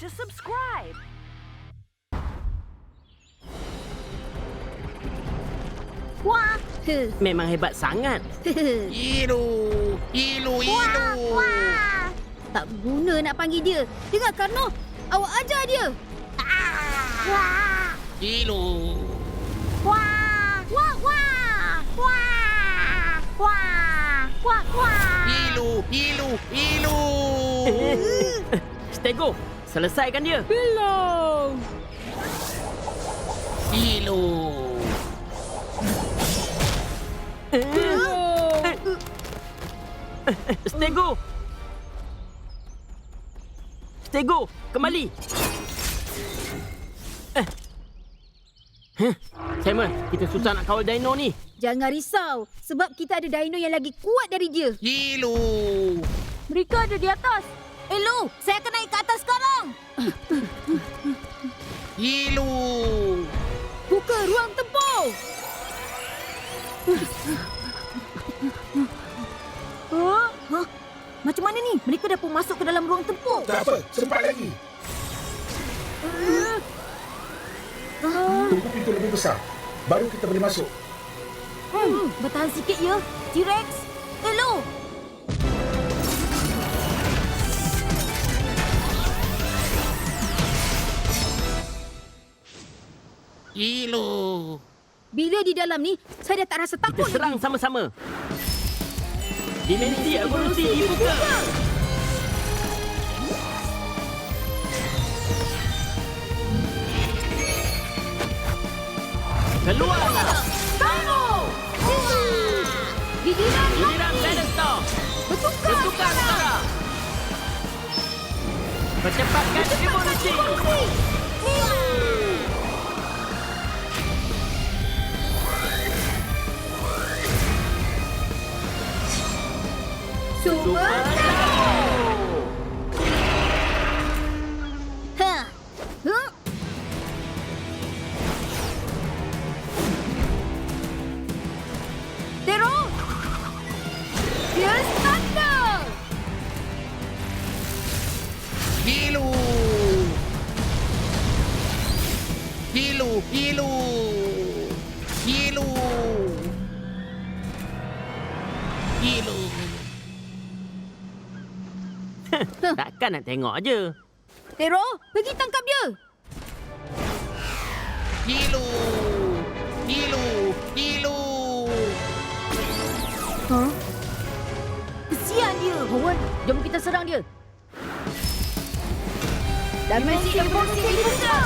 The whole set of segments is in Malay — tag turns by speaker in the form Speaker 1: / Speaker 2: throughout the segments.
Speaker 1: to subscribe.
Speaker 2: Wah.
Speaker 3: Memang hebat sangat.
Speaker 4: Ilu.
Speaker 2: Wah. Tak guna nak panggil dia. Dengar Karno, awak ajar dia. Wah.
Speaker 4: Ilu.
Speaker 2: Wah. Wah wah. Wah. Wah. Wah wah.
Speaker 4: Ilu.
Speaker 3: Stego, selesaikan dia.
Speaker 5: Belum.
Speaker 4: Ilu.
Speaker 3: Stego. Stego, kembali. Simon, kita susah nak kawal dino ni.
Speaker 2: Jangan risau sebab kita ada dino yang lagi kuat dari dia.
Speaker 4: Ilu.
Speaker 2: Mereka ada di atas. Lu, saya akan naik ke atas sekarang.
Speaker 4: Ilu.
Speaker 2: Buka ruang tempur. Hah? Macam mana ni? Mereka dah pun masuk ke dalam ruang tempur.
Speaker 6: Tak apa, sempat lagi. Tunggu pintu lebih besar. Baru kita boleh masuk.
Speaker 2: Bertahan sikit ya, T-Rex. Lu.
Speaker 4: Ilu.
Speaker 2: Bila di dalam ni, saya dah tak rasa
Speaker 3: Kita
Speaker 2: takut
Speaker 3: serang
Speaker 2: lagi.
Speaker 3: sama-sama. Dimensi evolusi dibuka. Keluarlah.
Speaker 2: Giliran
Speaker 3: Giliran Battlestar.
Speaker 2: bertukar
Speaker 3: Sekarang. Percepatkan evolusi.
Speaker 2: Super Ha. Huh? Tero. Fierce Thunder.
Speaker 4: Ilu.
Speaker 3: Takkan nak tengok aje.
Speaker 2: Tero, pergi tangkap dia.
Speaker 4: Ilu.
Speaker 2: Huh? Kesian dia. Howard, jom kita serang dia. Dimensi evolusi dibuka.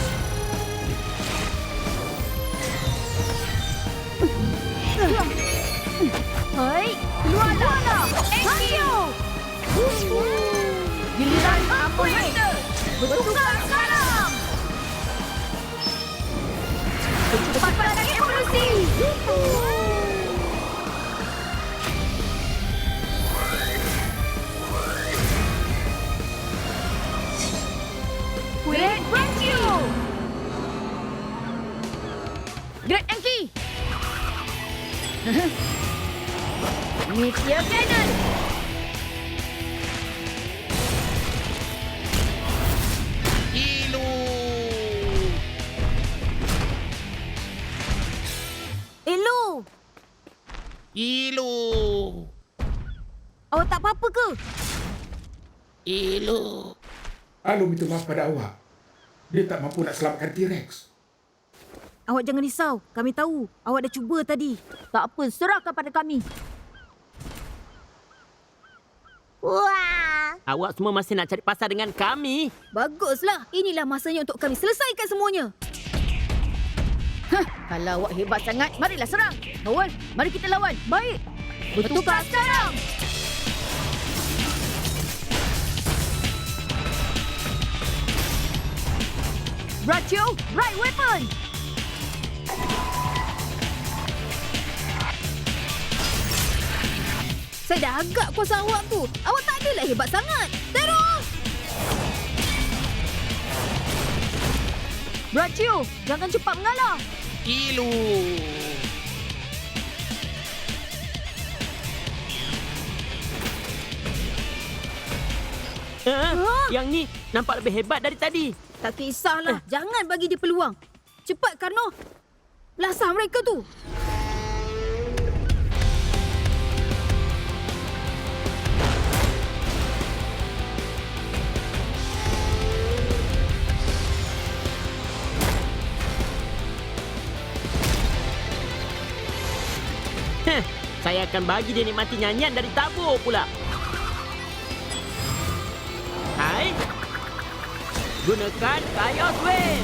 Speaker 2: Hai, keluarlah. Hayo. Giliran Operator. Bertukar sekarang. Percepatan evolusi. Great Rescue. Great Enki. Meteor Cannon.
Speaker 4: Ilu.
Speaker 2: Awak tak apa-apa ke?
Speaker 4: Ilu.
Speaker 6: Alu minta maaf pada awak. Dia tak mampu nak selamatkan T-Rex.
Speaker 2: Awak jangan risau. Kami tahu. Awak dah cuba tadi. Tak apa, serahkan pada kami. Wah!
Speaker 3: Awak semua masih nak cari pasal dengan kami.
Speaker 2: Baguslah. Inilah masanya untuk kami selesaikan semuanya. Hah, kalau awak hebat sangat, marilah serang. Howard, mari kita lawan. Baik. Bertukar sekarang. Brachio, right weapon. Saya dah agak kuasa awak tu. Awak tak adalah hebat sangat. Terus! Brachio, jangan cepat mengalah.
Speaker 4: Ilu.
Speaker 3: Yang ni nampak lebih hebat dari tadi.
Speaker 2: Tak kisahlah. Jangan bagi dia peluang. Cepat, Karno. Lasah mereka tu.
Speaker 3: Saya akan bagi dia nikmati nyanyian dari tabur pula. Hai. Gunakan Chaos Wave.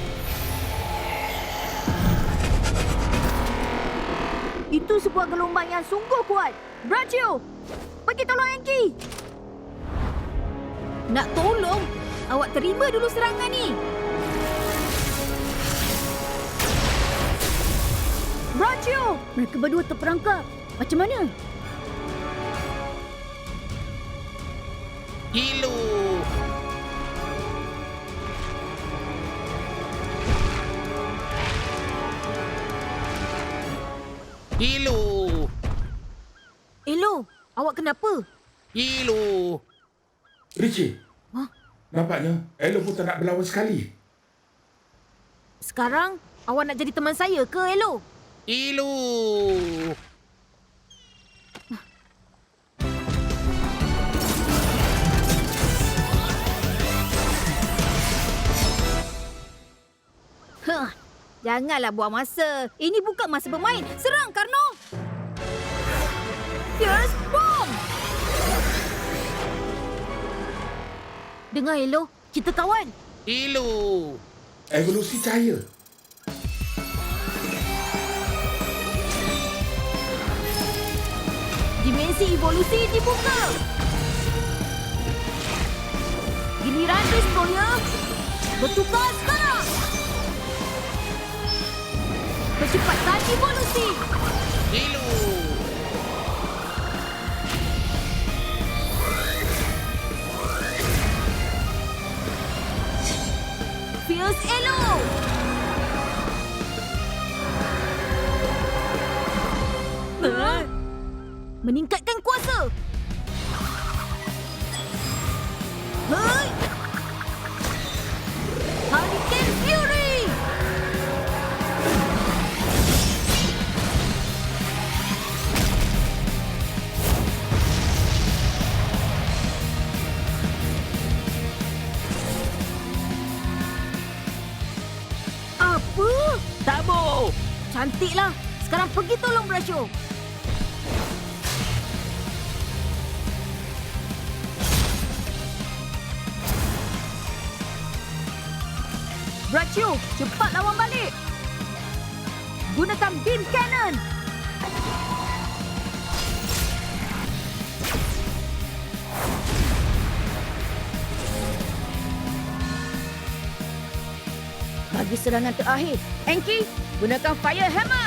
Speaker 2: Itu sebuah gelombang yang sungguh kuat. Brachio, pergi tolong Enki. Nak tolong? Awak terima dulu serangan ni. Brachio, mereka berdua terperangkap. Macam mana?
Speaker 4: Kilu. Kilu.
Speaker 2: Elo, awak kenapa?
Speaker 4: Kilu.
Speaker 6: Richie,
Speaker 2: Hah?
Speaker 6: nampaknya Elo pun tak nak berlawan sekali.
Speaker 2: Sekarang, awak nak jadi teman saya ke, Elo?
Speaker 4: Kilu.
Speaker 2: Janganlah buang masa. Ini bukan masa bermain. Serang, Karno! Fierce Bomb! Dengar, Elo. Kita kawan.
Speaker 4: Kilu.
Speaker 6: Evolusi cahaya.
Speaker 2: Dimensi evolusi dibuka. Giliran Destroyer. Bertukar sekarang. Percepatan evolusi.
Speaker 4: Kilu.
Speaker 2: Fierce Elo. Meningkatkan kuasa. Hai. Hurricane Fury. Apa?
Speaker 3: Tabur.
Speaker 2: Cantiklah. Sekarang pergi tolong Brachio. Brachio, cepat lawan balik. Gunakan beam cannon. Bagi serangan terakhir, Enki, gunakan fire hammer.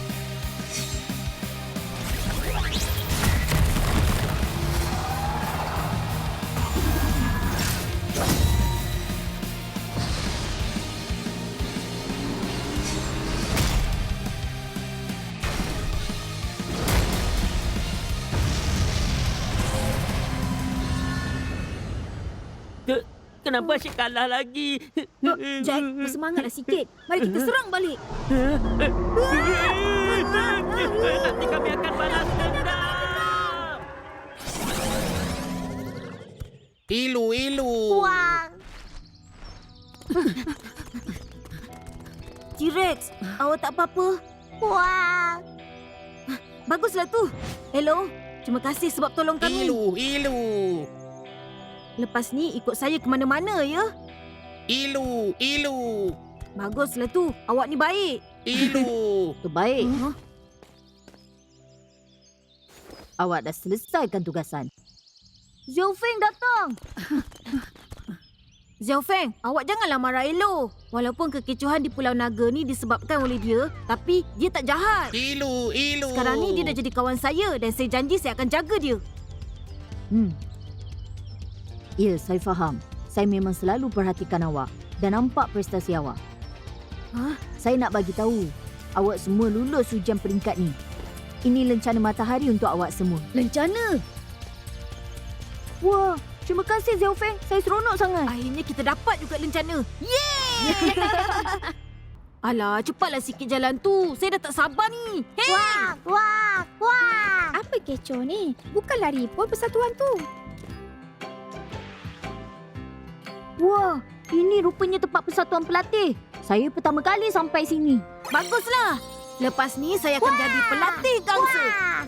Speaker 3: Kenapa asyik kalah lagi?
Speaker 2: Jack, bersemangatlah sikit. Mari kita serang balik.
Speaker 3: Nanti kami akan balas dendam.
Speaker 4: Ilu.
Speaker 2: T-Rex, awak tak apa-apa? Baguslah tu. Hello, terima kasih sebab tolong kami.
Speaker 4: Ilu.
Speaker 2: Lepas ni ikut saya ke mana-mana ya.
Speaker 4: Ilu.
Speaker 2: Baguslah tu. Awak ni baik.
Speaker 4: Ilu.
Speaker 1: Baik.
Speaker 2: Huh?
Speaker 1: Awak dah selesaikan tugasan.
Speaker 2: Xiao Feng datang. Xiao Feng, awak janganlah marah Elo. Walaupun kekecohan di Pulau Naga ni disebabkan oleh dia, tapi dia tak jahat.
Speaker 4: Ilu.
Speaker 2: Sekarang ni dia dah jadi kawan saya dan saya janji saya akan jaga dia.
Speaker 1: Ya, saya faham. Saya memang selalu perhatikan awak dan nampak prestasi awak.
Speaker 2: Hah?
Speaker 1: Saya nak bagi tahu, awak semua lulus ujian peringkat ni. Ini lencana matahari untuk awak semua.
Speaker 2: Lencana?
Speaker 1: Wah, Terima kasih Xiaofeng. Saya seronok sangat.
Speaker 2: Akhirnya kita dapat juga lencana. Yeay! Alah, cepatlah sikit jalan tu. Saya dah tak sabar ni. Hei!
Speaker 5: Wah. Apa kecoh ni? Bukan lari pun persatuan tu.
Speaker 1: Wah, ini rupanya tempat persatuan pelatih. Saya pertama kali sampai sini.
Speaker 2: Baguslah. Lepas ni saya akan jadi pelatih gangsa.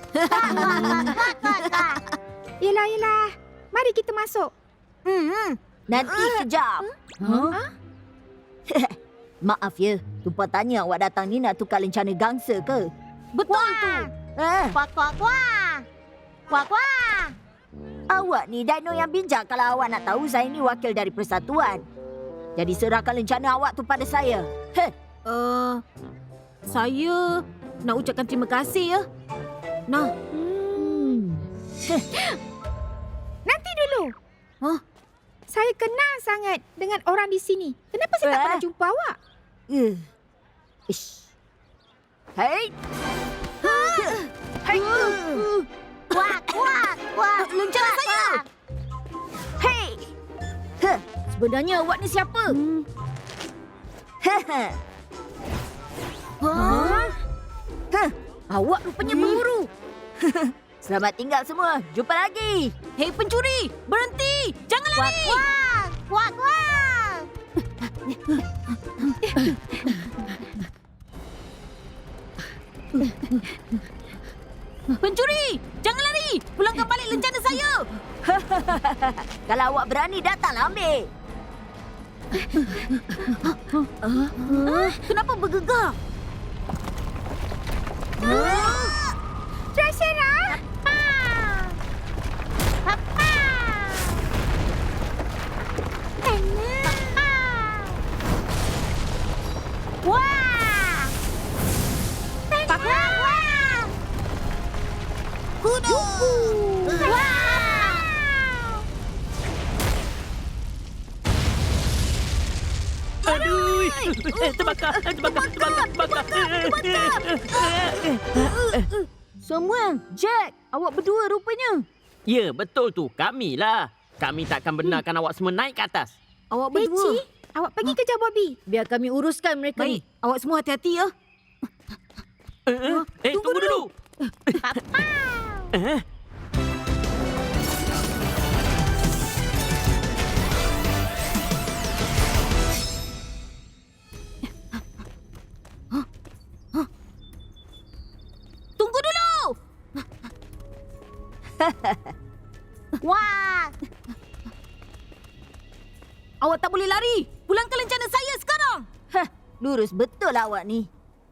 Speaker 5: Yelah. Mari kita masuk.
Speaker 1: Nanti kejap. Maaf ya, lupa tanya awak datang ni nak tukar lencana gangsa ke?
Speaker 2: Betul tu.
Speaker 5: Kuak.
Speaker 1: Awak ni dino yang bijak kalau awak nak tahu saya ni wakil dari persatuan. Jadi serahkan lencana awak tu pada saya.
Speaker 2: Saya nak ucapkan terima kasih ya. Nah,
Speaker 5: Nanti dulu.
Speaker 2: Hah?
Speaker 5: Saya kenal sangat dengan orang di sini. Kenapa saya tak pernah jumpa awak?
Speaker 1: Ish. Hei. Hei.
Speaker 5: Kuak.
Speaker 2: lencana saya.
Speaker 1: Hei.
Speaker 2: Sebenarnya awak ni siapa? Awak rupanya pemburu.
Speaker 1: Selamat tinggal semua. Jumpa lagi.
Speaker 2: Hei pencuri, berhenti. Jangan lari.
Speaker 5: Kuak.
Speaker 2: Pencuri, jangan lari. Pulangkan balik lencana saya.
Speaker 1: Kalau awak berani datanglah ambil.
Speaker 2: Kenapa bergegar?
Speaker 5: Treasure.
Speaker 2: Kuda.
Speaker 3: Aduh. Terbakar.
Speaker 1: Samuel, Jack, awak berdua rupanya.
Speaker 3: Ya, betul tu. Kamilah. Kami takkan benarkan awak semua naik ke atas.
Speaker 2: Awak berdua.
Speaker 5: Peci, awak pergi kejar Bobby.
Speaker 2: Biar kami uruskan mereka
Speaker 1: Baik.
Speaker 2: ni. Awak semua hati-hati ya.
Speaker 3: Tunggu dulu.
Speaker 2: Tunggu dulu.
Speaker 5: Wah.
Speaker 2: Awak tak boleh lari. Pulangkan lencana saya sekarang.
Speaker 1: Lurus betul awak ni.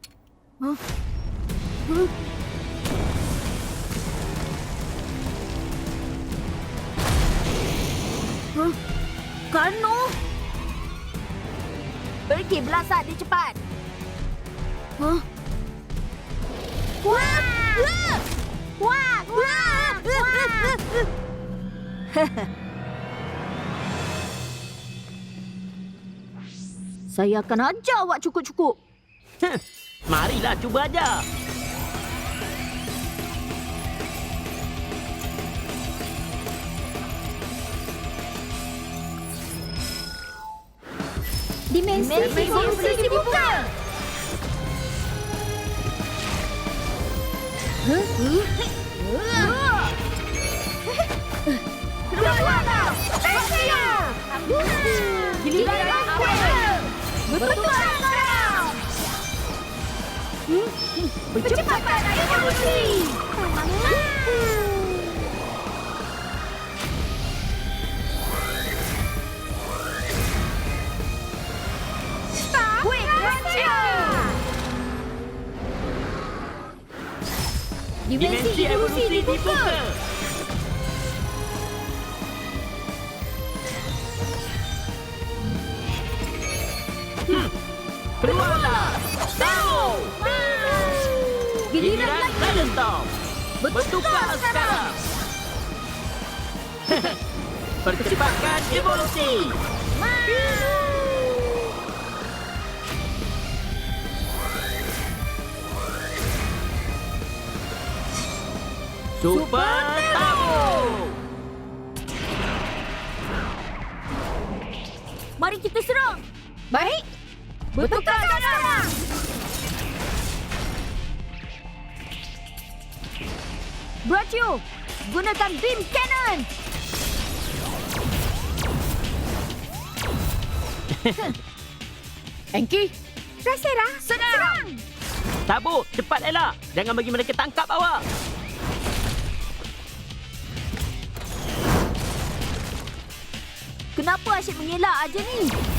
Speaker 2: Karno.
Speaker 1: Pergi belasah dia cepat. Saya akan ajar awak cukup-cukup.
Speaker 3: Marilah cuba aja.
Speaker 5: Dimensi evolusi dibuka.
Speaker 2: Giliran aku.
Speaker 5: Betul sekarang. Percepatan evolusi. Quick
Speaker 3: Dimensi evolusi dibuka. Keluarlah. Tahu. Giliran Dragon Storm. Bertukar sekarang. Percepatkan evolusi. Super Turbo.
Speaker 1: Mari kita serang.
Speaker 2: Baik. Bertukar sekarang.
Speaker 1: Brachio, gunakan beam cannon.
Speaker 2: Enki,
Speaker 5: Drasera,
Speaker 2: serang.
Speaker 3: Tabu, cepat elak. Jangan bagi mereka tangkap awak.
Speaker 1: Kenapa asyik mengelak aja ni?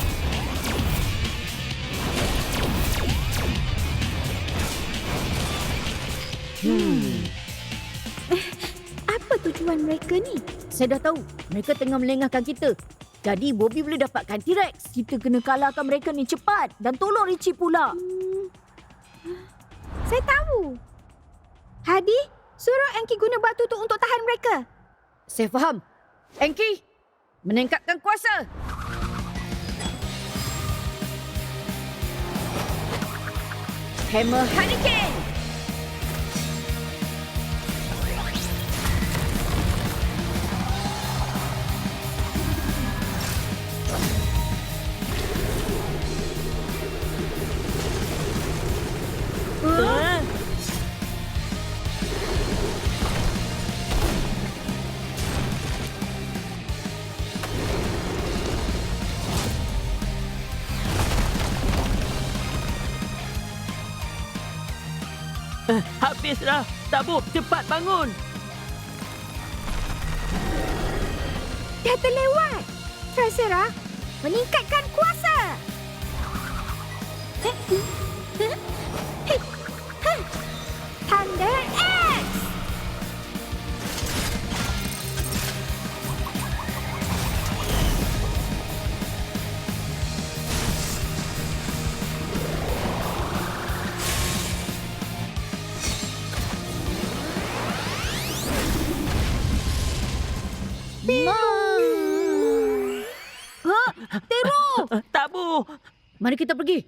Speaker 5: Apa tujuan mereka ni?
Speaker 2: Saya dah tahu. Mereka tengah melengahkan kita. Jadi Bobby boleh dapatkan T-Rex.
Speaker 1: Kita kena kalahkan mereka ni cepat dan tolong Richie pula.
Speaker 5: Saya tahu. Hadi, suruh Enki guna batu tu untuk tahan mereka.
Speaker 2: Saya faham. Enki, meningkatkan kuasa. Hammer Hurricane.
Speaker 3: Habislah. Tabu, cepat bangun.
Speaker 5: Dah terlewat. Drasera, meningkatkan kuasa. Thunder X.
Speaker 2: Tero,
Speaker 3: Tabu.
Speaker 2: mari kita pergi.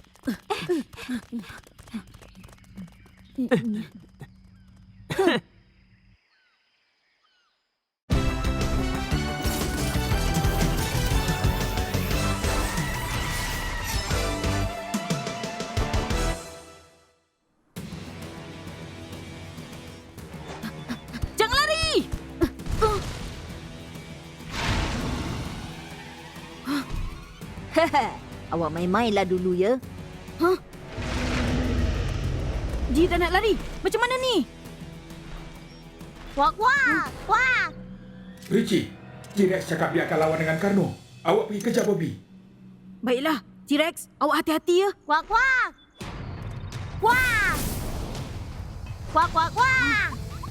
Speaker 1: Jangan lari! Awak main-mainlah dulu ya.
Speaker 2: Dia dah nak lari. Macam mana ni?
Speaker 1: Wak wak, wak.
Speaker 6: Richie, T-Rex cakap dia akan lawan dengan Karno. Awak pergi kejar Bobby.
Speaker 2: Baiklah, T-Rex, awak hati-hati ya.
Speaker 1: Wak wak. Wak. Wak wak wak.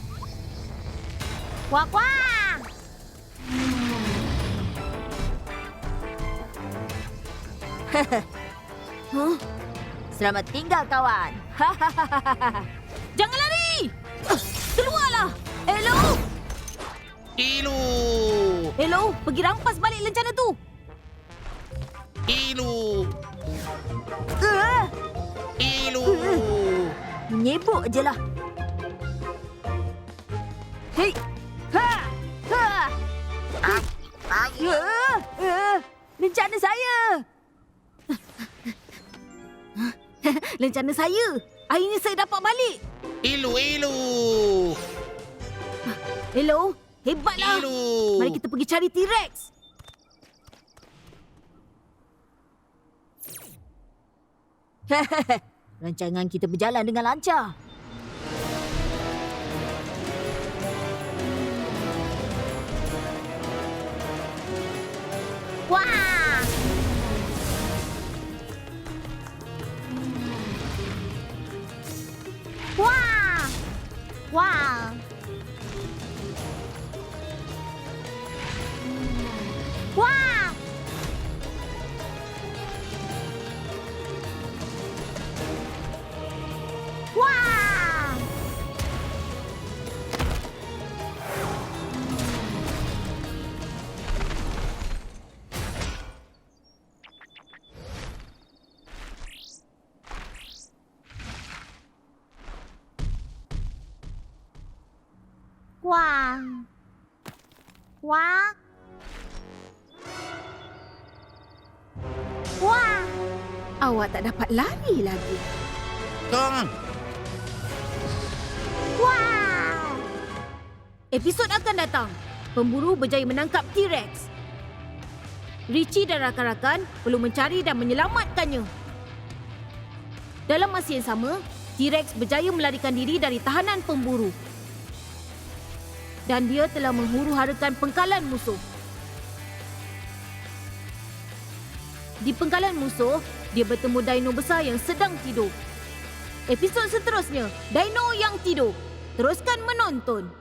Speaker 1: Wak wak. Selamat tinggal kawan.
Speaker 2: Jangan lari! Keluarlah! Hello!
Speaker 4: Ilu.
Speaker 2: Hello, pergi rampas balik lencana tu.
Speaker 4: Ilu. Ilu.
Speaker 1: Menyebuk je lah.
Speaker 2: Hei! Ha! Ha!
Speaker 1: Lencana saya.
Speaker 2: Lencana saya. Akhirnya saya dapat balik.
Speaker 4: Ilu. Ilu.
Speaker 2: Hello, hebatlah.
Speaker 4: Ilu.
Speaker 2: Mari kita pergi cari T-Rex.
Speaker 1: Rancangan kita berjalan dengan lancar. Wah! Wah! Wah! Wah! Wah! Wah! Wah!
Speaker 2: Awak tak dapat lari lagi.
Speaker 4: Kong.
Speaker 5: Wah!
Speaker 2: Episod akan datang. Pemburu berjaya menangkap T-Rex. Richie dan rakan-rakan perlu mencari dan menyelamatkannya. Dalam masa yang sama, T-Rex berjaya melarikan diri dari tahanan pemburu. Dan dia telah menghuru-harakan pengkalan musuh. Di pengkalan musuh, dia bertemu dino besar yang sedang tidur. Episod seterusnya, Dino yang tidur. Teruskan menonton.